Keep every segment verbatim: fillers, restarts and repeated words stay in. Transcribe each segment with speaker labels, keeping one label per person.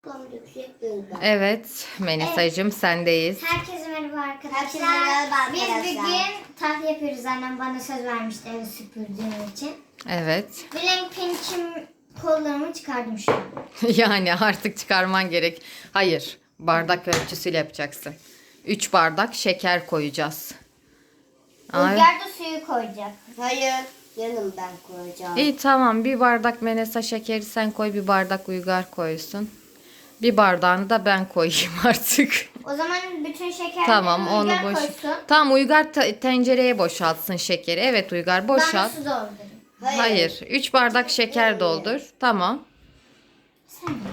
Speaker 1: Evet Melisa'cığım sendeyiz.
Speaker 2: Herkese merhaba arkadaşlar.
Speaker 3: Herkese merhaba
Speaker 2: Biz
Speaker 3: arkadaşlar.
Speaker 2: bugün tatlı yapıyoruz. Annem bana söz vermişti evi süpürdüğüm için.
Speaker 1: Evet.
Speaker 2: Blackpink'im kollarımı çıkardım şu an.
Speaker 1: Yani artık çıkarman gerek. Hayır. Bardak ölçüsüyle yapacaksın. üç bardak şeker koyacağız. Ay.
Speaker 2: Uygar da suyu koyacak.
Speaker 3: Hayır. Yanım ben koyacağım.
Speaker 1: İyi tamam. Bir bardak Menesa şekeri sen koy. Bir bardak Uygar koysun. Bir bardağını da ben koyayım artık.
Speaker 2: O zaman bütün şekerleri
Speaker 1: Tamam onu
Speaker 2: Uygar
Speaker 1: boş.
Speaker 2: koysun.
Speaker 1: Tamam Uygar te- tencereye boşaltsın şekeri. Evet Uygar
Speaker 2: Ben de
Speaker 1: boşalt.
Speaker 2: su doldurayım.
Speaker 3: Hayır.
Speaker 1: Hayır. üç bardak şeker doldur. Tamam.
Speaker 2: Sen de.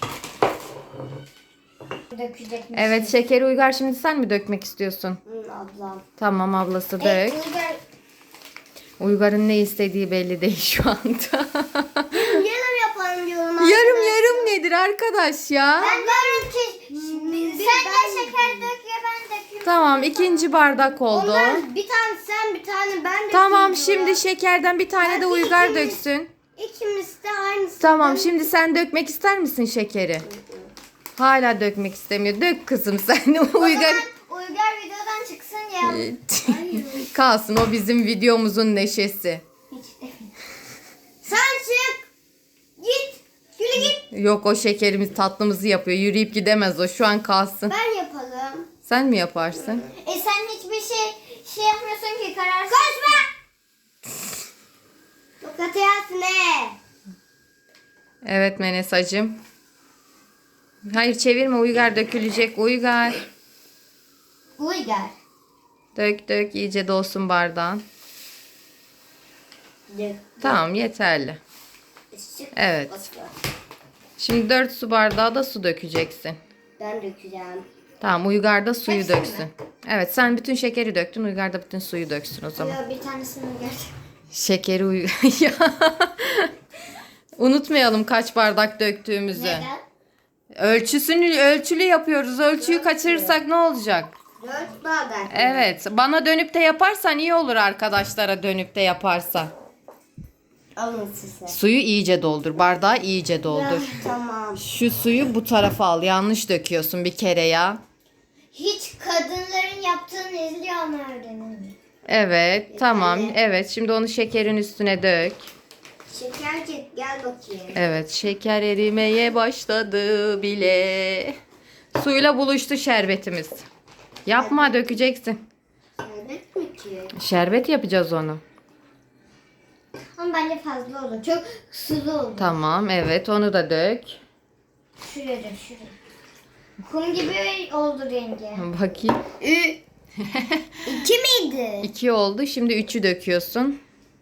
Speaker 2: Dökecek misin?
Speaker 1: Evet şekeri Uygar şimdi sen mi dökmek istiyorsun?
Speaker 3: Hı, ablam.
Speaker 1: Tamam ablası dök.
Speaker 2: Evet, Uygar
Speaker 1: Uygar'ın ne istediği belli değil şu anda.
Speaker 3: Yarım yapalım diyorum.
Speaker 1: yarım yarım nedir arkadaş ya?
Speaker 2: ben diyorum ki sen de şeker dök ya ben dökeyim.
Speaker 1: Tamam ikinci bardak oldu.
Speaker 3: Ondan bir tane sen bir tane ben de.
Speaker 1: Tamam şimdi şekerden bir tane de Uygar döksün.
Speaker 3: İkimiz de aynısı.
Speaker 1: Tamam şimdi sen dökmek ister misin şekeri? Hala dökmek istemiyor. Dök kızım sen. Uygar
Speaker 2: Uygar videodan çıksın ya.
Speaker 1: kalsın o bizim videomuzun neşesi.
Speaker 2: Hiç de.
Speaker 3: Sen çık. Git. Yürü git.
Speaker 1: Yok o şekerimiz tatlımızı yapıyor. Yürüyüp gidemez o şu an kalsın.
Speaker 3: Ben yapalım.
Speaker 1: Sen mi yaparsın?
Speaker 2: E sen hiçbir şey şey yapmıyorsun ki kararsız.
Speaker 3: Kaçma. Tokat yersin he.
Speaker 1: Evet Menesacığım. Hayır çevirme Uygar dökülecek. Uygar.
Speaker 2: Uygar.
Speaker 1: Dök dök iyice dolsun bardağın. Tamam yeterli. Evet. Şimdi dört su bardağı da su dökeceksin.
Speaker 3: Ben dökeceğim.
Speaker 1: Tamam Uygar da suyu
Speaker 2: Hepsini
Speaker 1: döksün. Evet sen bütün şekeri döktün. Uygar da bütün suyu döksün o zaman.
Speaker 2: Yok bir tanesini Uygar.
Speaker 1: Şekeri uy... Ya. Unutmayalım kaç bardak döktüğümüzü.
Speaker 2: Neden?
Speaker 1: Ölçüsünü ölçülü yapıyoruz. Ölçüyü kaçırırsak ne olacak?
Speaker 3: Dört bardak.
Speaker 1: Evet. Bana dönüp de yaparsan iyi olur arkadaşlara dönüp de yaparsa.
Speaker 3: Alın size.
Speaker 1: Suyu iyice doldur. Bardağı iyice doldur.
Speaker 3: Tamam.
Speaker 1: Şu suyu bu tarafa al. Yanlış döküyorsun bir kere ya.
Speaker 2: Hiç kadınların yaptığını izliyor ama öğrenemiyor.
Speaker 1: Evet. Tamam. Evet. Şimdi onu şekerin üstüne dök.
Speaker 3: Şekercik gel bakayım.
Speaker 1: Evet. Şeker erimeye başladı bile. Suyla buluştu şerbetimiz. Yapma dökeceksin.
Speaker 3: Şerbet mi ki?
Speaker 1: Şerbet yapacağız onu.
Speaker 2: Ama bence fazla oldu. Çok sulu oldu.
Speaker 1: Tamam. Evet. Onu da dök.
Speaker 2: Şuraya dök şuraya. Kum gibi oldu rengi.
Speaker 1: Bakayım.
Speaker 3: Ü. İki miydi?
Speaker 1: İki oldu. Şimdi üçü döküyorsun.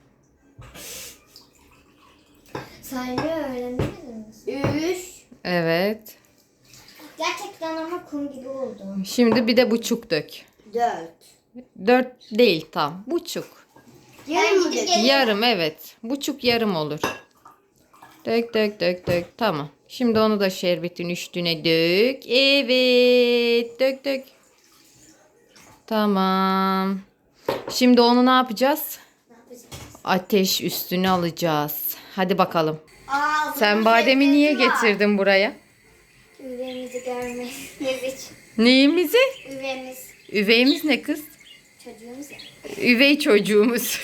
Speaker 2: Saymayı öğrendiniz mi?
Speaker 3: Üç.
Speaker 1: Evet.
Speaker 2: Gerçekten ama kum gibi oldu.
Speaker 1: Şimdi bir de buçuk dök.
Speaker 3: Dört.
Speaker 1: Dört değil tam. Buçuk.
Speaker 3: Yarım mı
Speaker 2: gidip
Speaker 3: dök?
Speaker 2: geleceğim.
Speaker 1: Yarım evet. Buçuk yarım olur. Dök dök dök dök. Tamam. Şimdi onu da şerbetin üstüne dök. Evet. Dök dök. Tamam. Şimdi onu ne yapacağız? Ateş üstüne alacağız. Hadi bakalım.
Speaker 3: Aa,
Speaker 1: Sen
Speaker 3: bunun
Speaker 1: bademi niye
Speaker 3: şerbeti var.
Speaker 1: getirdin buraya?
Speaker 2: Üveyimizi görmeniz için.
Speaker 1: Neyimizi?
Speaker 2: Üveyimiz.
Speaker 1: Üveyimiz ne kız?
Speaker 2: Çocuğumuz ya.
Speaker 1: Üvey çocuğumuz.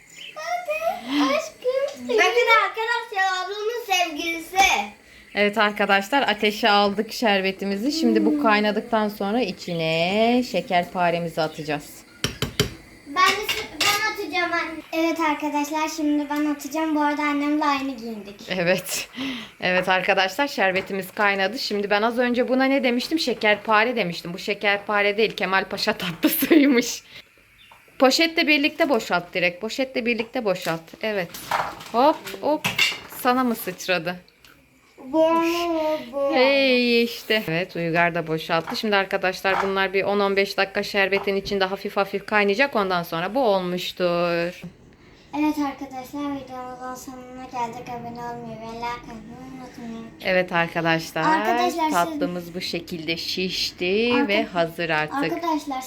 Speaker 2: Aşkım.
Speaker 3: Bakın arkadaşlar ablamın sevgilisi.
Speaker 1: Evet arkadaşlar ateşe aldık şerbetimizi. Şimdi bu kaynadıktan sonra içine şekerparemizi atacağız.
Speaker 2: Ben de ben atacağım anne. Evet arkadaşlar şimdi ben atacağım. Bu arada annemle aynı giyindik.
Speaker 1: Evet. Evet arkadaşlar şerbetimiz kaynadı. Şimdi ben az önce buna ne demiştim? Şekerpare demiştim. Bu şekerpare değil Kemal Paşa tatlısıymış. Poşetle birlikte boşalt direkt. Poşetle birlikte boşalt. Evet. Hop hop. Sana mı sıçradı?
Speaker 3: Bu bu.
Speaker 1: Hey işte. Evet Uygar da boşalttı. Şimdi arkadaşlar bunlar bir on on beş dakika şerbetin içinde hafif hafif kaynayacak. Ondan sonra bu olmuştur.
Speaker 2: Evet arkadaşlar videomuzun sonuna geldik. Abone olmayı ve like atmayı unutmayın.
Speaker 1: Evet arkadaşlar,
Speaker 2: Arkadaşlar siz-
Speaker 1: tatlımız bu şekilde şişti
Speaker 2: Arka-
Speaker 1: ve hazır artık.
Speaker 2: Arkadaşlar